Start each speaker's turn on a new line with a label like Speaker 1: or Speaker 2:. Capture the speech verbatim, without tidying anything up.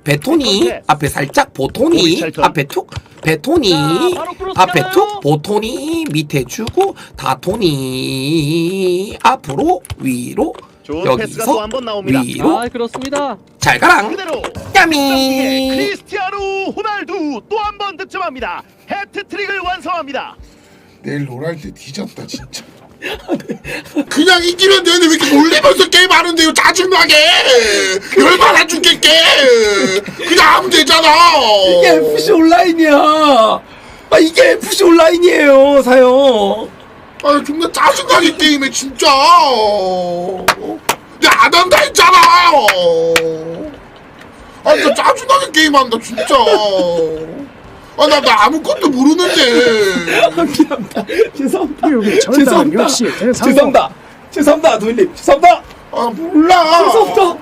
Speaker 1: 베토니 앞에 살짝 보토니 앞에 툭 베토니 앞에 툭 보토니 밑에 주고 다토니 앞으로 위로 여기서 위로
Speaker 2: 아 그렇습니다.
Speaker 1: 잘 가랑
Speaker 3: 그대로
Speaker 1: 야미
Speaker 3: 크리스티아누 호날두 또 한 번 득점합니다. 해트트릭을 완성합니다.
Speaker 4: 내일 롤할 때 뒤졌다 진짜. 그냥 이기면 되는데 왜 이렇게 놀리면서 게임하는데요? 짜증나게 열받아 죽겠게. 그냥 하면 되잖아.
Speaker 1: 이게 에프씨 온라인이야. 아 이게 에프씨 온라인이에요 사요.
Speaker 4: 아 존나 짜증나게 게임해 진짜. 내가 안 한다 했잖아. 아 진짜 짜증나게 게임한다 진짜. 아 나 나 아무것도 모르는데.
Speaker 1: 미안합니다. 죄송합니다.
Speaker 2: 죄송합니다.
Speaker 1: 죄송합니다. 죄송합니다. 죄송합니다. 도일님 죄송합니다.
Speaker 4: 아 몰라.
Speaker 1: 죄송합니다.